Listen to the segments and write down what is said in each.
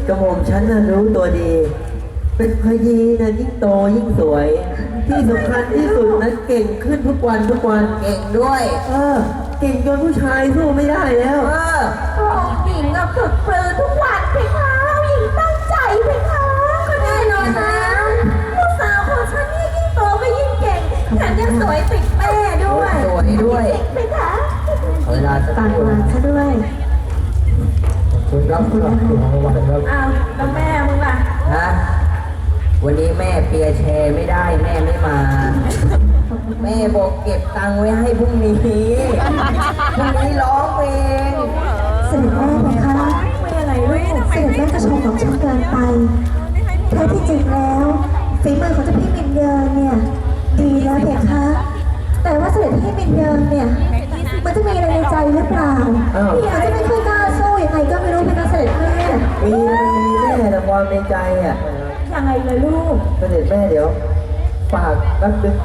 กระหม่อมฉันน่ะรู้ตัวดี เป็นพยีนะยิ่งโตยิ่งสวย ที่สำคัญที่สุดนะเก่งขึ้นทุกวันทุกวันเก่งด้วยเก่งจนผู้ชายสู้ไม่ได้แล้วองค์หญิงอะฝึกปรือทุกวันเพคะหญิงตั้งใจเพคะก็แน่นอนนะลูกสาวของฉันนี่ยิ่งโตก็ยิ่งเก่งแถมยังสวยติดแม่ด้วยสวยด้วยเพคะเวลาจะปากหวานซะด้วยคุณรับคุณรับคุณรับวันครับอ้าวแล้วแม่มึงล่ะฮะวันนี้แม่เปียร์แชร์ไม่ได้แม่ไม่มา แม่บอกเก็บตังค์ไว้ให้พรุ่งนี้พรุ่งนี้ร้องเพลงเสด็จแม่นะคะไม่อะไรลูกเสด็จแม่ก็ชมของฉันเกินไปแท้ที่จริงแล้วฝีมือของเจ้าพี่มินเยินเนี่ยดีแล้วเพคะแต่ว่าเสด็จพี่มินเยินเนี่ยมันจะมีอะไรในใจหรือเปล่าอ้าวพี่อาจจะไม่ค่อยกล้าสู้ยังไงก็ไม่รู้เพคะเสด็จแม่มีแม่แต่ความในใจอ่ะยังไงเลยลูกเสด็จแม่เดี๋ยวฝากแป๊บนึง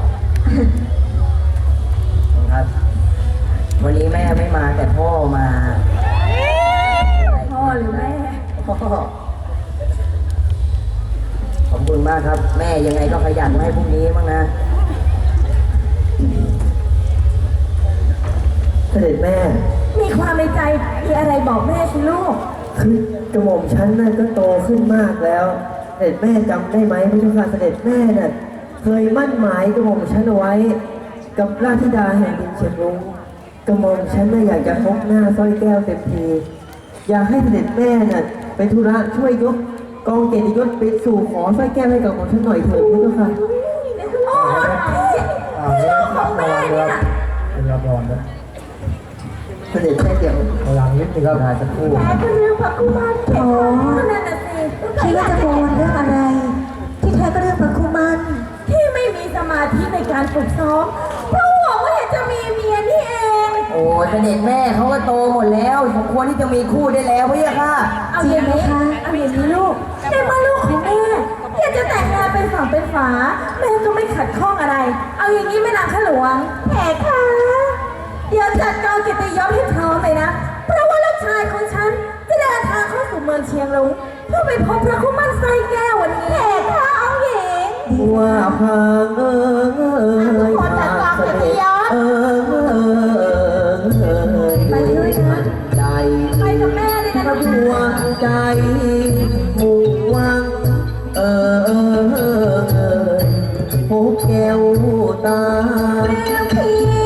ครับ วันนี้แม่ไม่มาแต่พ่อมาพ่อหรือแม่พ่อขอบคุณมากครับ แม่ยังไงก็ขยันให้พรุ่งนี้บ้างนะเสด็จแม่มีความในใจมีอะไรบอกแม่สิลูกคือกระหม่อมฉันน่ะก็โตขึ้นมากแล้ว เสด็จแม่จำได้ไหมพระเจ้าค่ะเสด็จแม่น่ะเคยมั่นหมายกระหม่อมฉันเอาไว้ กับราชธิดาแห่งดินเชียงรุ้งกระหม่อมฉันน่ะอยากจะพบหน้าสร้อยแก้วเต็มทีอยากให้เสด็จแม่น่ะไปธุระช่วยยกกองเกียรติยศไปสู่ขอสร้อยแก้วให้กับผมฉันหน่อยเถิดพระเจ้าค่ะโอ้ยลูกของแม่เนี่ยคุณรับรองนะเสด็จแม่เดี๋ยวพลังนิดนึงครับลาสักครู่แม่ก็เรื่องพระกุมารเข็มนั่นน่ะสิคิดว่าจะโกนเรื่องอะไร ที่แท้ก็เรื่องพระคุมันที่ไม่มีสมาธิในการฝึกซ้อมเพราะห่วงว่าเห็นจะมีเมียนี่เองโอ้ยเสด็จแม่เขาก็โตหมดแล้วสมควรที่จะมีคู่ได้แล้วพี่ค่ะเอาอย่างนี้ลูกในเมื่อลูกของแม่อยากจะแต่งงานเป็นฝั่งเป็นฝาแม่ก็ไม่ขัดข้องอะไร เอาอย่างนี้แม่นางข้าหลวงแขกค่ะเดี๋ยวจัดกองเกียรติยศให้พร้อมเลยนะ เพราะว่าลูกชายของฉันจะเดินทางเข้าสู่เมืองเชียงรุ้งเพื่อไปพบพระคุมันไซแก้ววันนี้แขกค่ะเอาหญิงว่าพางพางเสด็จด้วยใจไปกับแม่เลยนะพระลูดกวงใจมุ่งหวังพบแก้วตาแม่พี่